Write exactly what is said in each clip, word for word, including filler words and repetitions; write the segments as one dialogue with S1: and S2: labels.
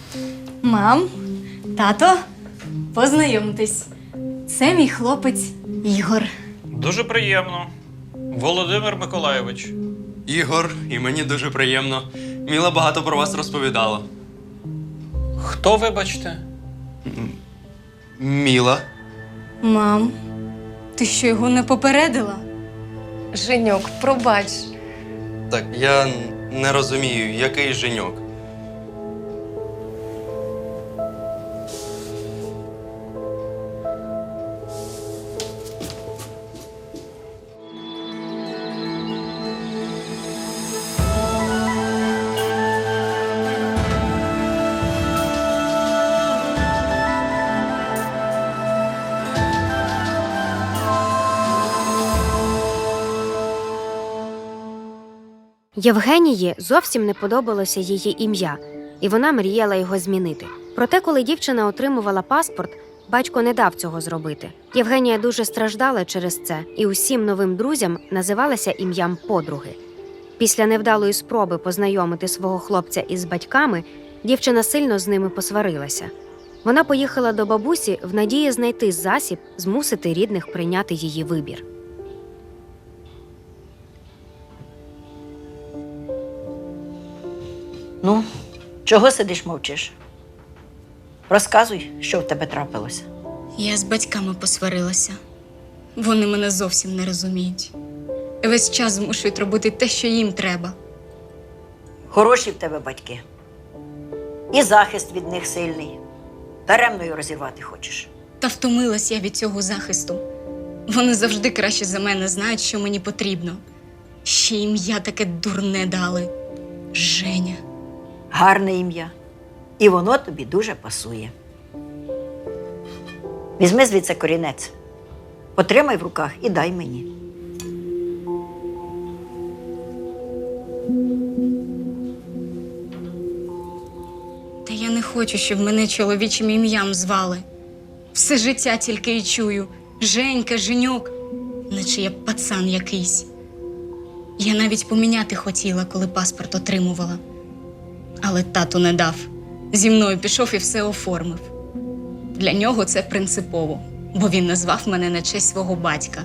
S1: Мам, тато, познайомтесь. Це мій хлопець Ігор.
S2: Дуже приємно. Володимир Миколайович.
S3: Ігор, і мені дуже приємно. Міла багато про вас розповідала.
S2: Хто, вибачте?
S3: Міла?
S1: Мам, ти що, його не попередила?
S4: Женьок, пробач.
S3: Так, я не розумію, який Женьок.
S5: Євгенії зовсім не подобалося її ім'я, і вона мріяла його змінити. Проте, коли дівчина отримувала паспорт, батько не дав цього зробити. Євгенія дуже страждала через це і усім новим друзям називалася ім'ям подруги. Після невдалої спроби познайомити свого хлопця із батьками, дівчина сильно з ними посварилася. Вона поїхала до бабусі в надії знайти засіб змусити рідних прийняти її вибір.
S6: Ну, чого сидиш, мовчиш? Розказуй, що в тебе трапилося.
S1: Я з батьками посварилася. Вони мене зовсім не розуміють. Весь час змушують робити те, що їм треба.
S6: Хороші в тебе батьки. І захист від них сильний. Даремною розірвати хочеш.
S1: Та втомилась я від цього захисту. Вони завжди краще за мене знають, що мені потрібно. Ще ім'я таке дурне дали. Женя.
S6: Гарне ім'я. І воно тобі дуже пасує. Візьми звідси корінець. Потримай в руках і дай мені.
S1: Та я не хочу, щоб мене чоловічим ім'ям звали. Все життя тільки й чую. Женька, Женьок. Наче я пацан якийсь. Я навіть поміняти хотіла, коли паспорт отримувала. Але тато не дав. Зі мною пішов і все оформив. Для нього це принципово, бо він назвав мене на честь свого батька.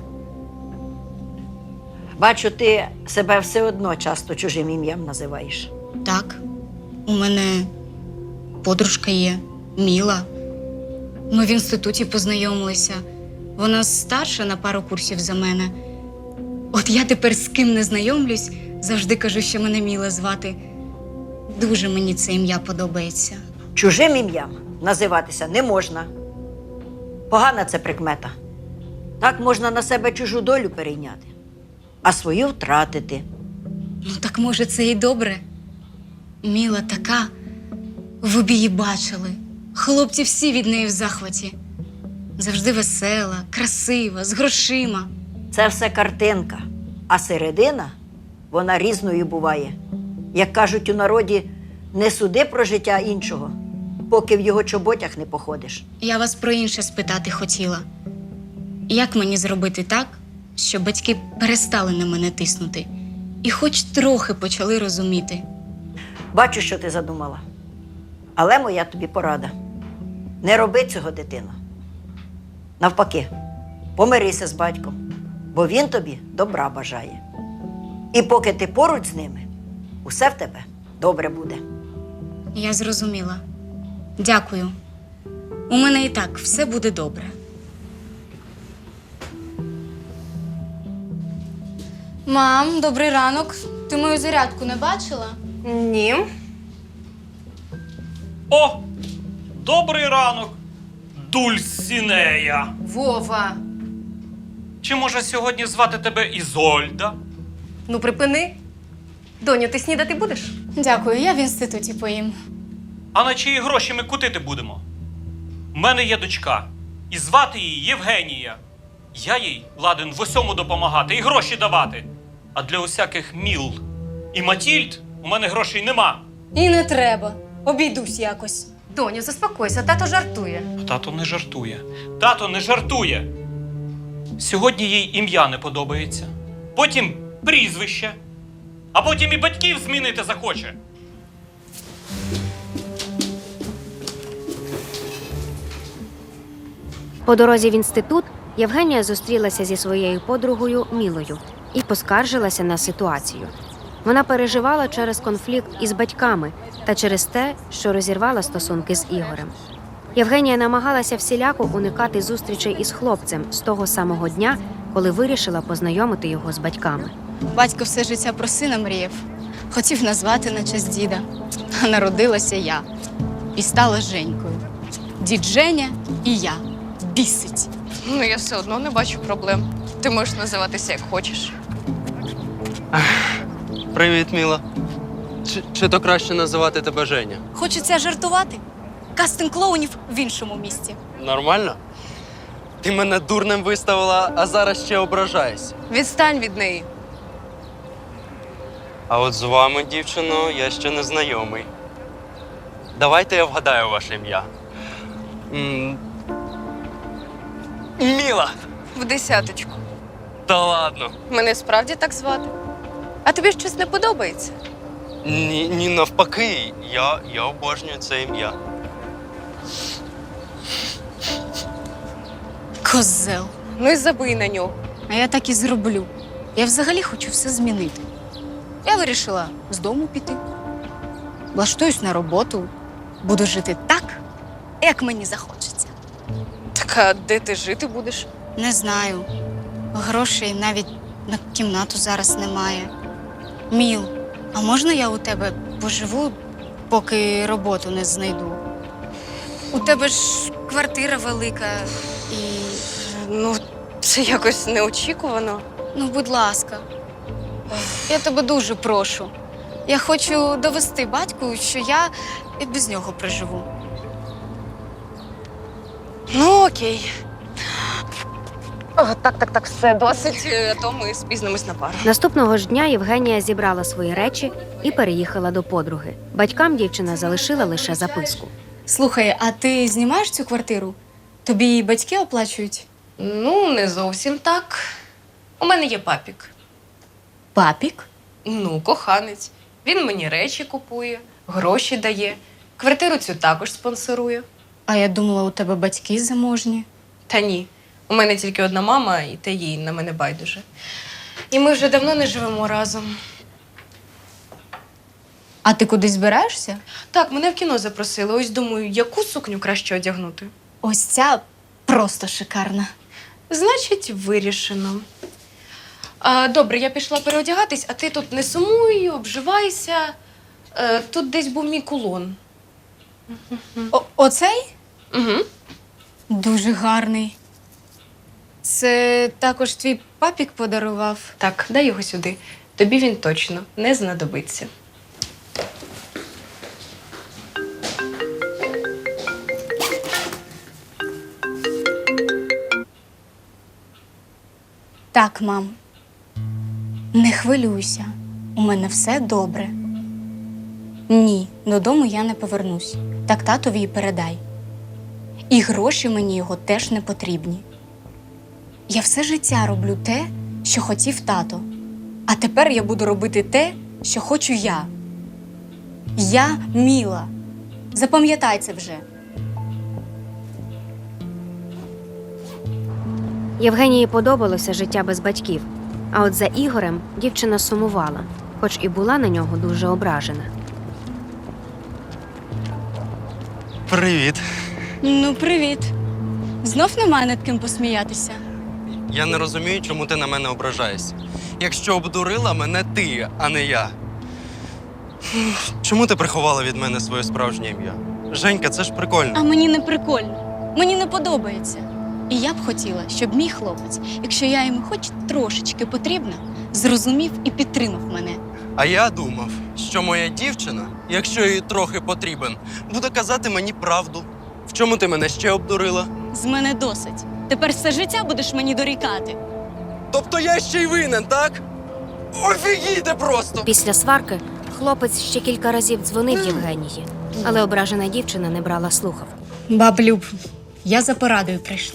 S6: Бачу, ти себе все одно часто чужим ім'ям називаєш.
S1: Так, у мене подружка є, Міла. Ми в інституті познайомилися. Вона старша на пару курсів за мене. От я тепер з ким не знайомлюсь, завжди кажу, що мене Міла звати. Дуже мені це ім'я подобається.
S6: Чужим ім'ям називатися не можна. Погана це прикмета. Так можна на себе чужу долю перейняти, а свою втратити.
S1: Ну так може це і добре. Міла така, ви б її бачили. Хлопці всі від неї в захваті. Завжди весела, красива, з грошима.
S6: Це все картинка, а середина, вона різною буває. Як кажуть у народі, не суди про життя іншого, поки в його чоботях не походиш.
S1: Я вас про інше спитати хотіла. Як мені зробити так, щоб батьки перестали на мене тиснути і хоч трохи почали розуміти?
S6: Бачу, що ти задумала. Але моя тобі порада. Не роби цього, дитино. Навпаки, помирися з батьком, бо він тобі добра бажає. І поки ти поруч з ними, усе в тебе добре буде.
S1: Я зрозуміла. Дякую. У мене і так все буде добре. Мам, добрий ранок. Ти мою зарядку не бачила?
S4: Ні.
S2: О! Добрий ранок, Дульсінея!
S4: Вова.
S2: Чи може сьогодні звати тебе Ізольда?
S4: Ну припини. Доню, ти снідати будеш?
S1: Дякую, я в інституті поїм.
S2: А на чиї гроші ми кутити будемо? У мене є дочка, і звати її Євгенія. Я їй ладен в усьому допомагати і гроші давати. А для усяких Міл і Матільд у мене грошей нема.
S1: І не треба. Обійдусь якось.
S4: Доню, заспокойся, тато жартує.
S2: Тато не жартує. Тато не жартує. Сьогодні їй ім'я не подобається. Потім прізвище. А потім і батьків змінити захоче.
S5: По дорозі в інститут Євгенія зустрілася зі своєю подругою Мілою і поскаржилася на ситуацію. Вона переживала через конфлікт із батьками та через те, що розірвала стосунки з Ігорем. Євгенія намагалася всіляко уникати зустрічей із хлопцем з того самого дня, коли вирішила познайомити його з батьками.
S1: Батько все життя про сина мріяв. Хотів назвати на честь діда. А народилася я. І стала Женькою. Дід Женя і я. Бісить.
S7: Ну, я все одно не бачу проблем. Ти можеш називатися як хочеш.
S3: Привіт, Міла. Чи, чи то краще називати тебе Женя?
S1: Хочеться жартувати? Кастинг клоунів в іншому місті.
S3: Нормально? Ти мене дурним виставила, а зараз ще ображаєшся.
S7: Відстань від неї.
S3: А от з вами, дівчино, я ще не знайомий. Давайте я вгадаю ваше ім'я. М, Міла!
S7: В десяточку.
S3: Та ладно.
S7: Мене справді так звати. А тобі щось не подобається?
S3: Ні, ні навпаки, я, я обожнюю це ім'я.
S1: Козел.
S7: Ну і забий на нього.
S1: А я так і зроблю. Я взагалі хочу все змінити. Я вирішила з дому піти. Влаштуюсь на роботу. Буду жити так, як мені захочеться.
S7: Так, а де ти жити будеш?
S1: Не знаю. Грошей навіть на кімнату зараз немає. Міл, а можна я у тебе поживу, поки роботу не знайду? У тебе ж квартира велика і.
S7: Ну, це якось неочікувано.
S1: Ну, будь ласка, я тебе дуже прошу. Я хочу довести батьку, що я і без нього проживу.
S7: Ну, окей. О, так, так, так, все, досить, а то ми спізнимось на пару.
S5: Наступного ж дня Євгенія зібрала свої речі і переїхала до подруги. Батькам дівчина залишила лише записку.
S1: Слухай, а ти знімаєш цю квартиру? Тобі її батьки оплачують?
S7: Ну, не зовсім так. У мене є папік.
S1: Папік?
S7: Ну, коханець. Він мені речі купує, гроші дає. Квартиру цю також спонсорує.
S1: А я думала, у тебе батьки заможні.
S7: Та ні. У мене тільки одна мама, і та їй на мене байдуже. І ми вже давно не живемо разом.
S1: А ти кудись збираєшся?
S7: Так, мене в кіно запросили. Ось думаю, яку сукню краще одягнути.
S1: Ось ця просто шикарна.
S7: Значить, вирішено. А, добре, я пішла переодягатись, а ти тут не сумуй, обживайся. Е, тут десь був мій кулон.
S1: О- оцей?
S7: Угу.
S1: Дуже гарний. Це також твій папік подарував.
S7: Так, дай його сюди. Тобі він точно не знадобиться.
S1: Так, мам. Не хвилюйся. У мене все добре. Ні, додому я не повернусь. Так татові й передай. І гроші мені його теж не потрібні. Я все життя роблю те, що хотів тато. А тепер я буду робити те, що хочу я. Я Міла. Запам'ятай це вже.
S5: Євгенії подобалося життя без батьків, а от за Ігорем дівчина сумувала, хоч і була на нього дуже ображена.
S3: Привіт.
S1: Ну, привіт. Знов немає над ким посміятися.
S3: Я не розумію, чому ти на мене ображаєшся. Якщо обдурила мене ти, а не я. Чому ти приховала від мене своє справжнє ім'я? Женька, це ж прикольно.
S1: А мені не прикольно. Мені не подобається. І я б хотіла, щоб мій хлопець, якщо я йому хоч трошечки потрібна, зрозумів і підтримав мене.
S3: А я думав, що моя дівчина, якщо їй трохи потрібен, буде казати мені правду. В чому ти мене ще обдурила?
S1: З мене досить. Тепер все життя будеш мені дорікати.
S3: Тобто я ще й винен, так? Офігійте просто!
S5: Після сварки хлопець ще кілька разів дзвонив Євгенії, але ображена дівчина не брала слухав.
S1: Баблюб, я за порадою прийшла.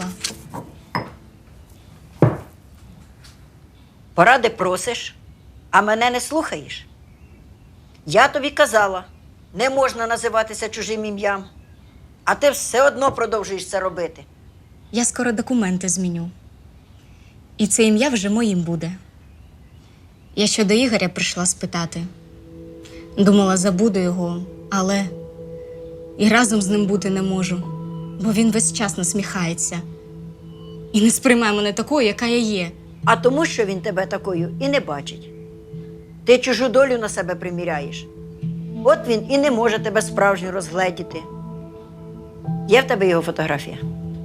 S6: Поради просиш, а мене не слухаєш. Я тобі казала, не можна називатися чужим ім'ям, а ти все одно продовжуєш це робити.
S1: я скоро документи зміню. І це ім'я вже моїм буде. Я ще до Ігоря прийшла спитати. Думала, забуду його, але і разом з ним бути не можу, бо він весь час насміхається. І не сприймає мене такою, яка я є.
S6: А тому, що він тебе такою і не бачить. Ти чужу долю на себе приміряєш. От він і не може тебе справжньо розгледіти. Є в тебе його фотографія?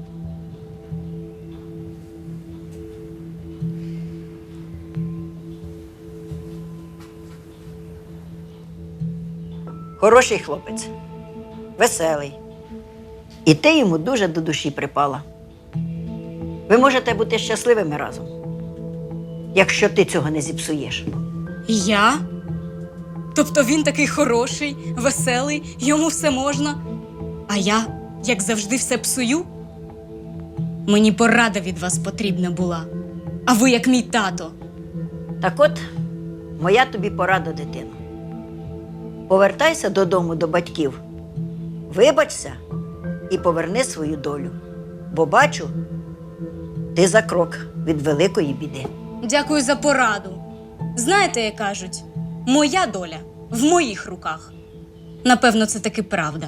S6: Хороший хлопець, веселий. І ти йому дуже до душі припала. Ви можете бути щасливими разом, якщо ти цього не зіпсуєш.
S1: Я? Тобто він такий хороший, веселий, йому все можна. А я, як завжди, все псую? Мені порада від вас потрібна була. А ви як мій тато.
S6: Так от, моя тобі порада, дитино. Повертайся додому до батьків, вибачся і поверни свою долю. Бо бачу, ти за крок від великої біди.
S1: Дякую за пораду. Знаєте, як кажуть, моя доля в моїх руках. Напевно, це таки правда.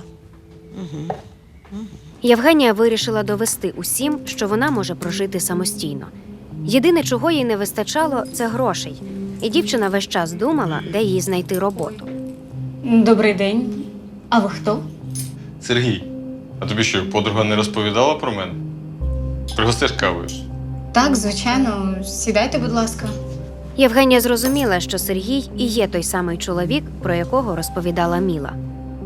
S5: Євгенія вирішила довести усім, що вона може прожити самостійно. Єдине, чого їй не вистачало, це грошей. І дівчина весь час думала, де їй знайти роботу.
S1: Добрий день. А ви хто?
S8: Сергій, а тобі що, подруга не розповідала про мене? Пригостиш кавою?
S1: Так, звичайно. Сідайте, будь ласка.
S5: Євгенія зрозуміла, що Сергій і є той самий чоловік, про якого розповідала Міла.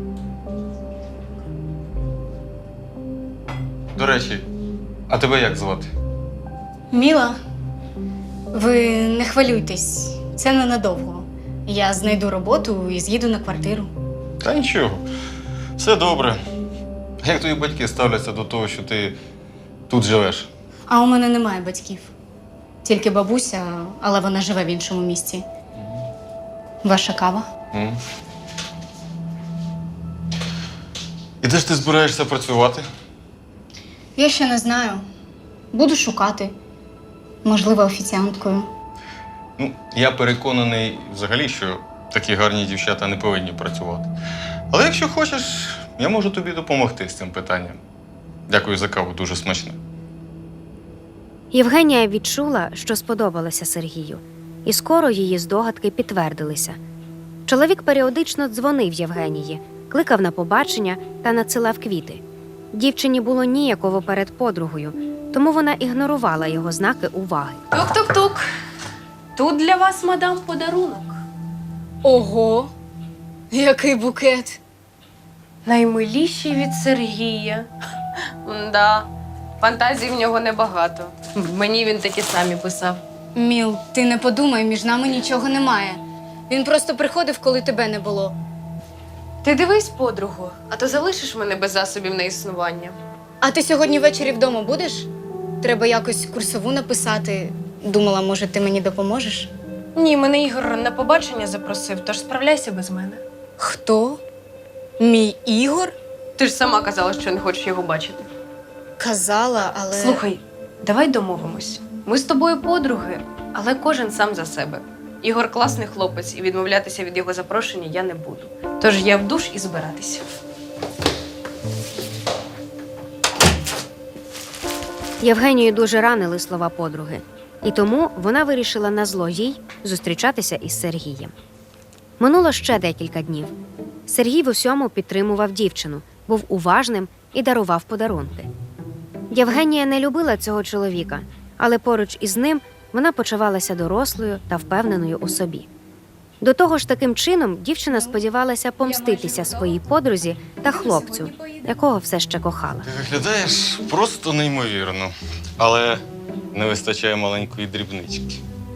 S8: До речі, а тебе як звати?
S1: Міла, ви не хвилюйтесь. Це ненадовго. Я знайду роботу і з'їду на квартиру.
S8: Та нічого, все добре. А як твої батьки ставляться до того, що ти тут живеш?
S1: А у мене немає батьків. Тільки бабуся, але вона живе в іншому місті. Ваша кава?
S8: М? І де ж ти збираєшся працювати?
S1: Я ще не знаю. Буду шукати. Можливо, офіціанткою.
S8: Ну, я переконаний взагалі, що такі гарні дівчата не повинні працювати. Але якщо хочеш, я можу тобі допомогти з цим питанням. Дякую за каву, дуже смачно.
S5: Євгенія відчула, що сподобалося Сергію. І скоро її здогадки підтвердилися. Чоловік періодично дзвонив Євгенії, кликав на побачення та надсилав квіти. Дівчині було ніяково перед подругою, тому вона ігнорувала його знаки уваги.
S7: Тук-тук-тук. Тут для вас, мадам, подарунок.
S1: Ого! Який букет!
S7: Наймиліший від Сергія. Да, фантазій в нього небагато. Мені він такі самі писав.
S1: Міл, ти не подумай, між нами нічого немає. Він просто приходив, коли тебе не було.
S7: Ти дивись, подругу, а то залишиш мене без засобів на існування.
S1: А ти сьогодні ввечері вдома будеш? Треба якось курсову написати. Думала, може, ти мені допоможеш?
S7: Ні, мене Ігор на побачення запросив, тож справляйся без мене.
S1: Хто? Мій Ігор?
S7: Ти ж сама казала, що не хочеш його бачити.
S1: Казала, але...
S7: Слухай, давай домовимось. Ми з тобою подруги, але кожен сам за себе. Ігор класний хлопець, і відмовлятися від його запрошення я не буду. Тож я в душ і збиратися.
S5: Євгенію дуже ранили слова подруги, і тому вона вирішила назло їй зустрічатися із Сергієм. Минуло ще декілька днів. Сергій в усьому підтримував дівчину, був уважним і дарував подарунки. Євгенія не любила цього чоловіка, але поруч із ним вона почувалася дорослою та впевненою у собі. До того ж, таким чином дівчина сподівалася помститися своїй подрузі та хлопцю, якого все ще кохала.
S8: Ти виглядаєш просто неймовірно, але не вистачає маленької дрібнички.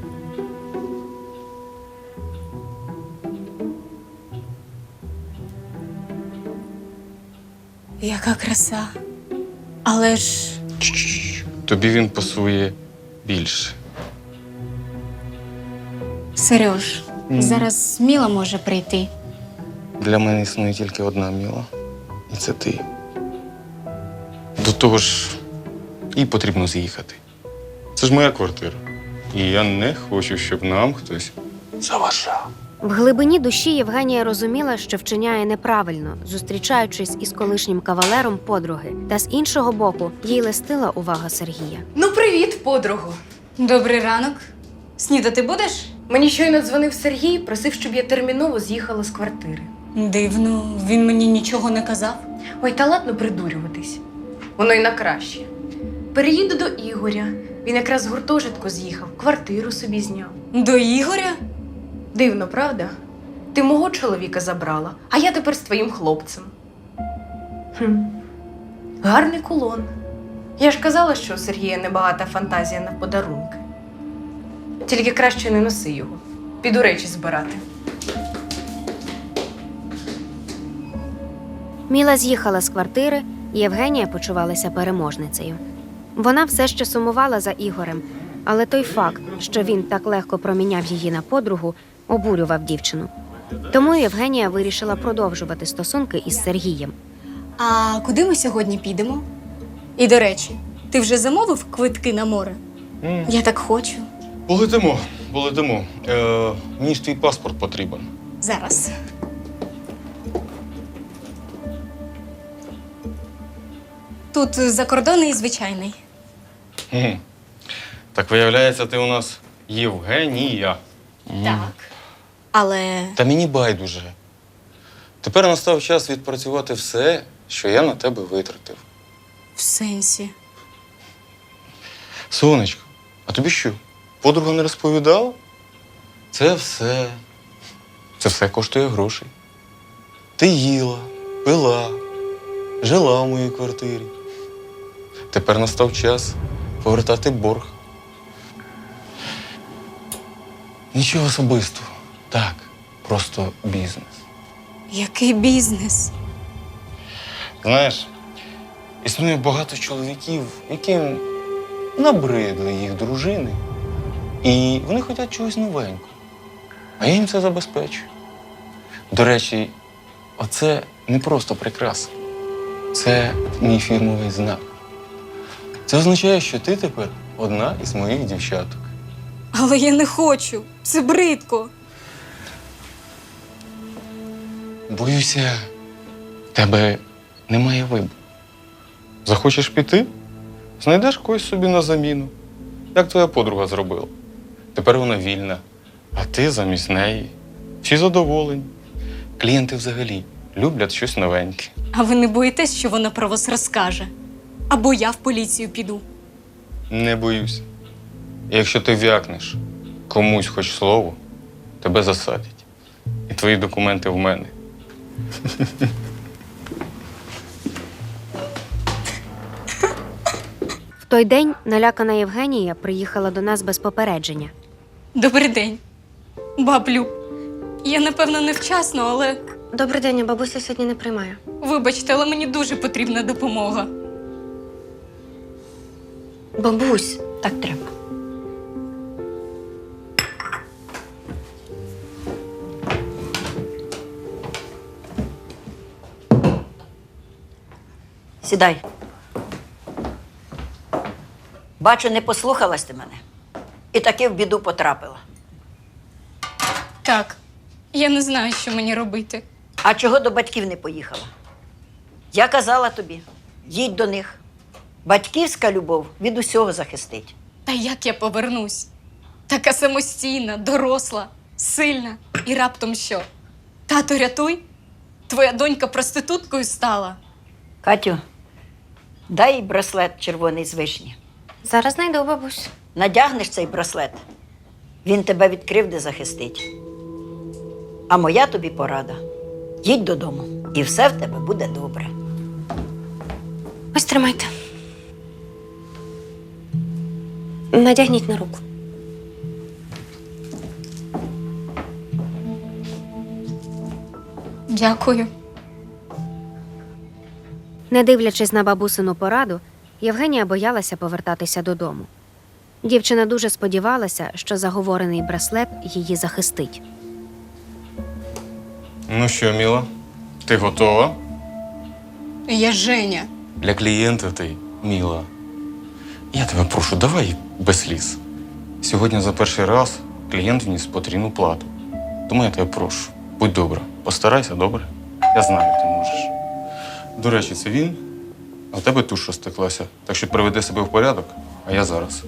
S1: Яка краса. Але ж...
S8: Чш, тобі він пасує більше.
S1: Сереж,
S8: Мгм.
S1: зараз Міла може прийти.
S8: Для мене існує тільки одна Міла. І це ти. До того ж, і потрібно з'їхати. Це ж моя квартира. І я не хочу, щоб нам хтось заважав.
S5: В глибині душі Євгенія розуміла, що вчиняє неправильно, зустрічаючись із колишнім кавалером подруги. Та з іншого боку, їй листила увага Сергія.
S7: Ну, привіт, подругу.
S1: Добрий ранок. Снідати будеш?
S7: Мені щойно дзвонив Сергій, просив, щоб я терміново з'їхала з квартири.
S1: Дивно, він мені нічого не казав.
S7: Ой, та ладно придурюватись. Воно й на краще. Переїду до Ігоря. Він якраз з гуртожитку з'їхав, квартиру собі зняв.
S1: До Ігоря?
S7: Дивно, правда? Ти мого чоловіка забрала, а я тепер з твоїм хлопцем. Хм. Гарний кулон. Я ж казала, що у Сергія небагата фантазія на подарунки. Тільки краще не носи його. Піду речі збирати.
S5: Міла з'їхала з квартири, і Євгенія почувалася переможницею. Вона все ще сумувала за Ігорем, але той факт, що він так легко проміняв її на подругу, обурював дівчину. Тому Євгенія вирішила продовжувати стосунки із Сергієм.
S1: А куди ми сьогодні підемо? І до речі, ти вже замовив квитки на море?
S8: М.
S1: Я так хочу.
S8: Полетимо, полетимо. Е, мені ж твій паспорт потрібен.
S1: Зараз. Тут закордонний звичайний.
S8: Мгм. Так виявляється, ти у нас Євгенія.
S1: Так. Але
S8: Та мені байдуже. Тепер настав час відпрацювати все, що я на тебе витратив.
S1: в сенсі.
S8: Сонечко, а тобі що? Подруга не розповідала? Це все. Це все коштує грошей. Ти їла, пила, жила в моїй квартирі. Тепер настав час повертати борг. Нічого особистого. Так, просто бізнес.
S1: Який бізнес?
S8: Знаєш, існує багато чоловіків, яким набридли їх дружини, і вони хочуть чогось новенького. А я їм це забезпечую. До речі, оце не просто прикраса. Це мій фірмовий знак. Це означає, що ти тепер одна із моїх дівчаток.
S1: Але я не хочу. Це бридко.
S8: Боюся, в тебе немає вибору. Захочеш піти? Знайдеш когось собі на заміну, як твоя подруга зробила. Тепер вона вільна, а ти замість неї. Всі задоволені. Клієнти взагалі люблять щось новеньке.
S1: А ви не боїтесь, що вона про вас розкаже? Або я в поліцію піду.
S8: Не боюся. Якщо ти вякнеш комусь хоч слово, тебе засадять. І твої документи в мене.
S5: В той день налякана Євгенія приїхала до нас без попередження.
S1: Добрий день. Баблю. Я, напевно, невчасно, але
S4: Добрий день, бабуся сьогодні не приймає.
S1: вибачте, але мені дуже потрібна допомога.
S6: Бабусь, так треба. Сідай. Бачу, не послухалась ти мене. І таки в біду потрапила.
S1: Так, я не знаю, що мені робити.
S6: А чого до батьків не поїхала? Я казала тобі, їдь до них. Батьківська любов від усього захистить.
S1: Та як я повернусь? Така самостійна, доросла, сильна. І раптом що? Тато, рятуй? Твоя донька проституткою стала?
S6: Катю, дай їй браслет червоний з вишні.
S4: Зараз знайду, бабусь.
S6: Надягнеш цей браслет, він тебе від кривди захистить. А моя тобі порада. Їдь додому, і все в тебе буде добре.
S4: Ось тримайте. Надягніть на руку.
S1: Дякую.
S5: Не дивлячись на бабусину пораду, Євгенія боялася повертатися додому. Дівчина дуже сподівалася, що заговорений браслет її захистить.
S8: Ну що, Міла, ти готова?
S1: Я Женя.
S8: Для клієнта ти, Міла. Я тебе прошу, давай без сліз. Сьогодні за перший раз клієнт вніс потрійну плату. Тому я тебе прошу, будь добра, постарайся, добре? Я знаю, ти можеш. До речі, це він, а в тебе туш розтеклася. Так що приведи себе в порядок, а я зараз.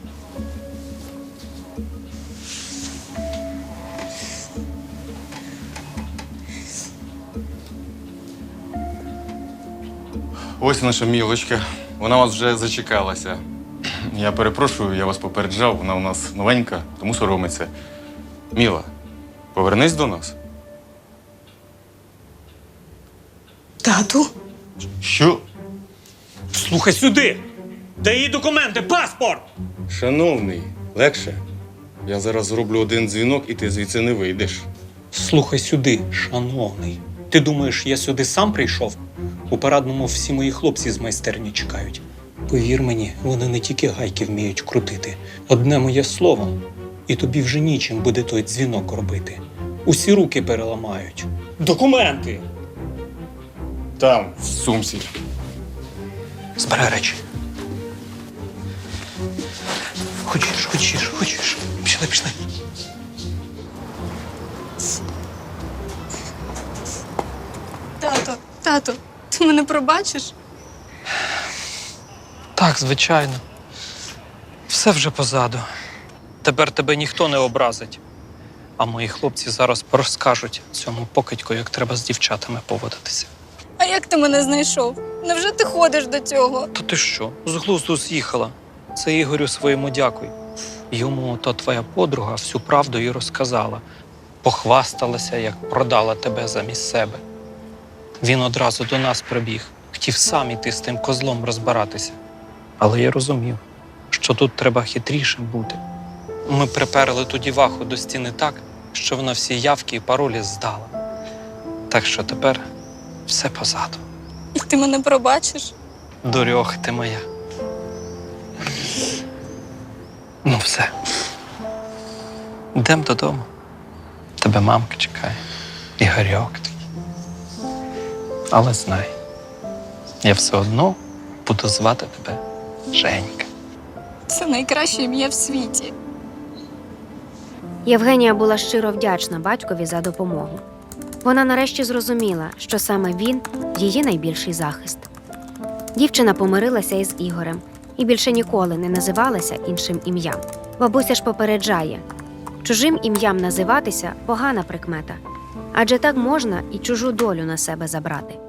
S8: Ось наша мілочка. Вона вас вже зачекалася. Я перепрошую, я вас попереджав, вона у нас новенька, тому соромиться. Міла, повернись до нас.
S1: Тату?
S8: Що?
S2: Слухай сюди! Дай їй документи, паспорт!
S8: Шановний, легше. Я зараз зроблю один дзвінок, і ти звідси не вийдеш.
S2: Слухай сюди, шановний. Ти думаєш, я сюди сам прийшов? У парадному всі мої хлопці з майстерні чекають. Повір мені, вони не тільки гайки вміють крутити. Одне моє слово, і тобі вже нічим буде той дзвінок робити. Усі руки переламають. Документи!
S8: Там, в сумці.
S2: Збирай речі. Хочеш, хочеш, хочеш. Пішли, пішли.
S1: Тато, тато, ти мене пробачиш?
S2: Так, звичайно. Все вже позаду. Тепер тебе ніхто не образить. А мої хлопці зараз розкажуть цьому покидьку, як треба з дівчатами поводитися.
S1: А як ти мене знайшов? Невже ти ходиш до цього?
S2: Та ти що? З глузду з'їхала. Це Ігорю своєму дякуй. Йому то твоя подруга всю правду і розказала. Похвасталася, як продала тебе замість себе. Він одразу до нас прибіг. Хотів сам іти з тим козлом розбиратися. Але я розумів, що тут треба хитрішим бути. Ми приперли ту діваху до стіни так, що вона всі явки і паролі здала. Так що тепер все позаду.
S1: І ти мене пробачиш?
S2: Дурьох ти моя. Ну все. Йдемо додому. Тебе мамка чекає. І Гарьок твій. Але знай, я все одно буду звати тебе Женька.
S1: Це найкраще ім'я в світі.
S5: Євгенія була щиро вдячна батькові за допомогу. Вона нарешті зрозуміла, що саме він – її найбільший захист. Дівчина помирилася із Ігорем і більше ніколи не називалася іншим ім'ям. Бабуся ж попереджає – чужим ім'ям називатися – погана прикмета. Адже так можна і чужу долю на себе забрати.